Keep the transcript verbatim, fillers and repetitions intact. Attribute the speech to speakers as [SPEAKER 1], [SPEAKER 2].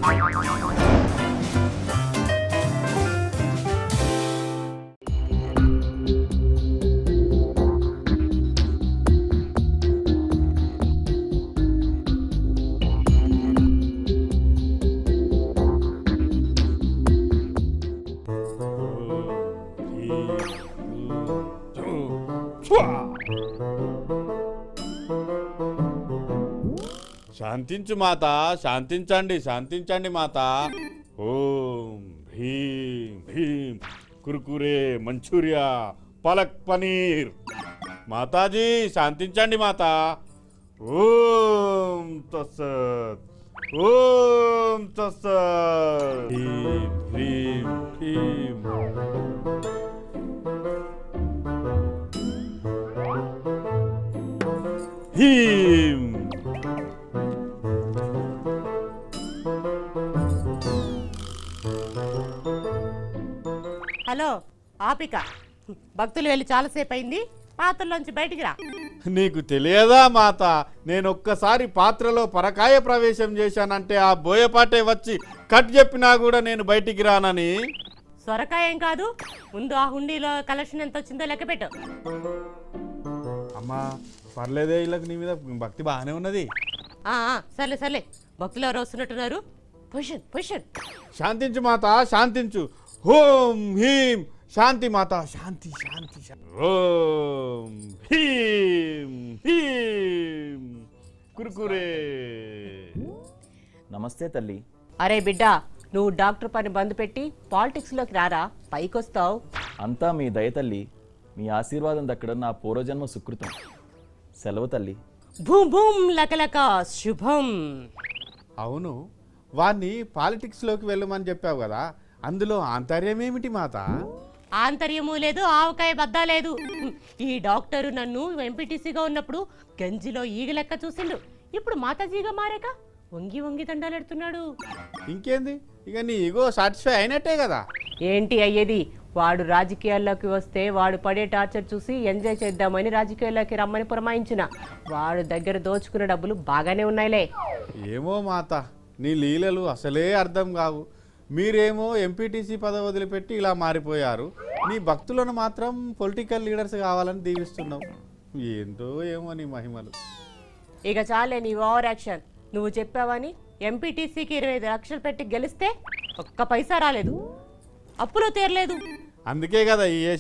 [SPEAKER 1] శాంతించు మాత, శాంతించండి, శాంతించండి మాత. ఓం భీం భీం కుర్కురే మంచూరియా పలక్ పనీర్. మాతాజీ శాంతించండి మాత. ఓం తస్సత్, ఓం తస్సత్. భీం భీం భీం. భీం.
[SPEAKER 2] హలో ఆపిక, భక్తులు వెళ్ళి చాలాసేపు అయింది, పాత్రలోంచి బయటికి రా.
[SPEAKER 1] నీకు తెలియదా మాత, నేను ఒక్కసారి పాత్రలో పరకాయ ప్రవేశం చేశానంటే ఆ బోయపాటే వచ్చి కట్ చెప్పినా కూడా నేను బయటికి రానని.
[SPEAKER 2] సొరకాయ ఏం కాదు, ముందు ఆ హుండీలో కలెక్షన్ ఎంత వచ్చిందో లెక్క పెట్టు.
[SPEAKER 1] అమ్మా పర్లేదే, వీళ్ళకి నీ మీద భక్తి బాగానే ఉన్నది.
[SPEAKER 2] ఆ, ఆ, సర్లే సర్లే, భక్తులు ఎవరు వస్తున్నట్టున్నారు. Position position.
[SPEAKER 1] శాంతించు మాత, శాంతించు. ఓం హీం శాంతి మాత, శాంతి శాంతి శాంతి. ఓం హీం హీం కుర్కురే.
[SPEAKER 3] నమస్తే తల్లి.
[SPEAKER 2] అరే బిడ్డ, నువ్వు డాక్టర్ పని బంద్ పెట్టి పాలిటిక్స్లోకి రారా, పైకొస్తావు.
[SPEAKER 3] అంతా మీ దయ తల్లి, మీ ఆశీర్వాదం దక్కడం నా పూర్వజన్మ సుకృతం. సెలవు తల్లి.
[SPEAKER 2] భూమ్ భూమ్ లకలక శుభం.
[SPEAKER 1] అవును, వాణ్ణి పాలిటిక్స్లోకి వెళ్ళమని చెప్పావు కదా, అందులో ఆంతర్యం ఏమిటి మాత?
[SPEAKER 2] ఆంతర్యము లేదు, ఆవకాయ బద్దా లేదు. ఈ డాక్టరు నన్ను ఎంపీటీసీగా ఉన్నప్పుడు గంజిలో ఈగ లెక్క చూసిండు, ఇప్పుడు మాతాజీగా మారాక వంగి వంగి దండాలెడుతున్నాడు.
[SPEAKER 1] ఇంకేంది, ఇక నీ ఈగో సాటిస్ఫై అయినట్టే కదా.
[SPEAKER 2] ఏంటి అయ్యేది, వాడు రాజకీయాల్లోకి వస్తే వాడు పడే టార్చర్ చూసి ఎంజాయ్ చేద్దామని రాజకీయాల్లోకి రమ్మని పురమాయించిన. వాడు దగ్గర దోచుకున్న డబ్బులు బాగానే ఉన్నాయిలే.
[SPEAKER 1] ఏమో మాత, నీ లీలలు అసలే అర్థం కావు. మీరేమో ఎంపీటీసీ పదవి వదిలిపెట్టి ఇలా మారిపోయారు, నీ భక్తులను మాత్రం పొలిటికల్ లీడర్స్ కావాలని దీవిస్తున్నావు. ఏంటో ఏమో నీ మహిమలు.
[SPEAKER 2] ఇక చాలే నీ ఓవర్ యాక్షన్. నువ్వు చెప్పావని ఎంపీటీసీకి ఇరవై ఐదు లక్షలు పెట్టి గెలిస్తే ఒక్క పైసా రాలేదు, అప్పులో తీరలేదు.
[SPEAKER 1] అందుకే కదా ఈ